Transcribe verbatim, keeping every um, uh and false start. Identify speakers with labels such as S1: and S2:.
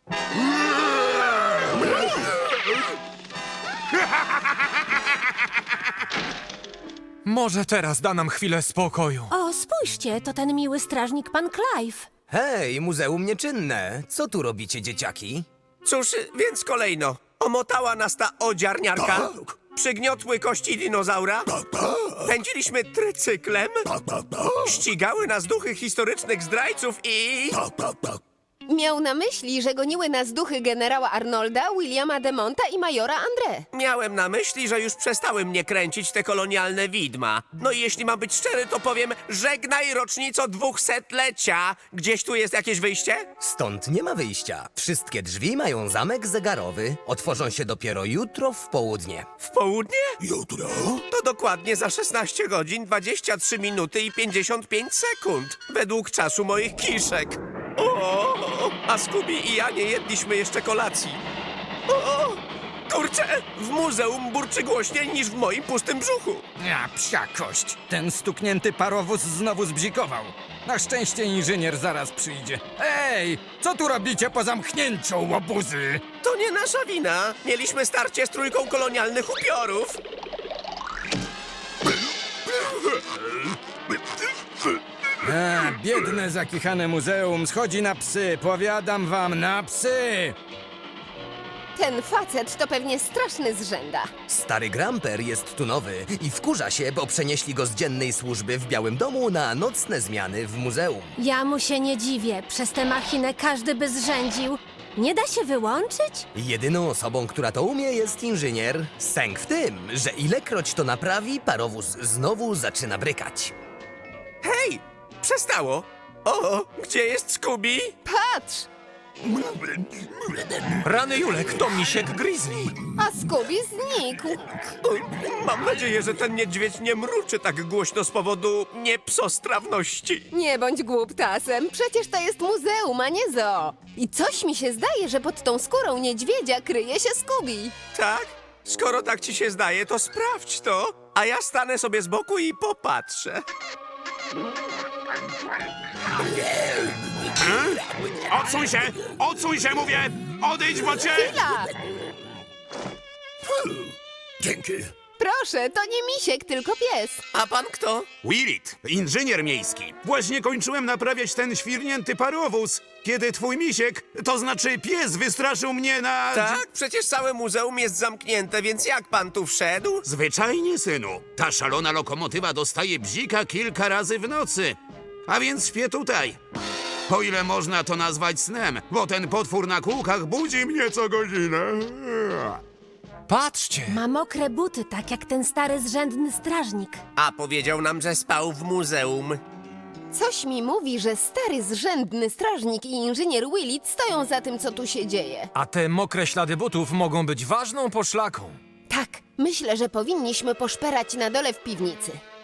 S1: Może teraz da nam chwilę spokoju.
S2: O, spójrzcie, to ten miły strażnik pan Clive.
S3: Hej, muzeum nieczynne. Co tu robicie, dzieciaki?
S4: Cóż, więc kolejno. Omotała nas ta odziarniarka. Przygniotły kości dinozaura. Pędziliśmy trycyklem. Ścigały nas duchy historycznych zdrajców i...
S5: Miał na myśli, że goniły nas duchy generała Arnolda, Williama de Monta i majora André.
S4: Miałem na myśli, że już przestały mnie kręcić te kolonialne widma. No i jeśli mam być szczery, to powiem, żegnaj rocznico dwusetlecia. Gdzieś tu jest jakieś wyjście?
S3: Stąd nie ma wyjścia. Wszystkie drzwi mają zamek zegarowy. Otworzą się dopiero jutro w południe.
S4: W południe? Jutro? To dokładnie za szesnaście godzin, dwadzieścia trzy minuty i pięćdziesiąt pięć sekund. Według czasu moich kiszek. O, a Scooby i ja nie jedliśmy jeszcze kolacji. O, kurczę, w muzeum burczy głośniej niż w moim pustym brzuchu.
S6: Ja, psia kość. Ten stuknięty parowóz znowu zbzikował. Na szczęście inżynier zaraz przyjdzie. Ej, co tu robicie po zamknięciu, łobuzy?
S4: To nie nasza wina. Mieliśmy starcie z trójką kolonialnych upiorów.
S6: A, biedne, zakichane muzeum schodzi na psy. Powiadam wam, na psy!
S5: Ten facet to pewnie straszny zrzęda.
S3: Stary Gramper jest tu nowy i wkurza się, bo przenieśli go z dziennej służby w Białym Domu na nocne zmiany w muzeum.
S2: Ja mu się nie dziwię. Przez tę machinę każdy by zrzędził. Nie da się wyłączyć?
S3: Jedyną osobą, która to umie, jest inżynier. Sęk w tym, że ilekroć to naprawi, parowóz znowu zaczyna brykać.
S4: Hej, przestało. O, gdzie jest Scooby?
S5: Patrz!
S1: Rany Julek, to misiek Grizzly.
S5: A Scooby znikł.
S4: Mam nadzieję, że ten niedźwiedź nie mruczy tak głośno z powodu niepsostrawności.
S5: Nie bądź głuptasem, przecież to jest muzeum, a nie zoo. I coś mi się zdaje, że pod tą skórą niedźwiedzia kryje się Scooby.
S4: Tak? Skoro tak ci się zdaje, to sprawdź to, a ja stanę sobie z boku i popatrzę.
S7: Odsuń się! Odsuń się, mówię! Odejdź, bo cię...
S5: Chwila!
S7: Dzięki.
S5: Proszę, to nie misiek, tylko pies.
S4: A pan kto?
S7: Willit, inżynier miejski. Właśnie kończyłem naprawiać ten świrnięty parowóz, kiedy twój misiek, to znaczy pies, wystraszył mnie na...
S4: Tak? Przecież całe muzeum jest zamknięte, więc jak pan tu wszedł?
S7: Zwyczajnie, synu. Ta szalona lokomotywa dostaje bzika kilka razy w nocy. A więc śpię tutaj. O ile można to nazwać snem, bo ten potwór na kółkach budzi mnie co godzinę.
S1: Patrzcie.
S2: Ma mokre buty, tak jak ten stary zrzędny strażnik.
S4: A powiedział nam, że spał w muzeum.
S5: Coś mi mówi, że stary zrzędny strażnik i inżynier Willit stoją za tym, co tu się dzieje.
S1: A te mokre ślady butów mogą być ważną poszlaką.
S5: Tak, myślę, że powinniśmy poszperać na dole w piwnicy.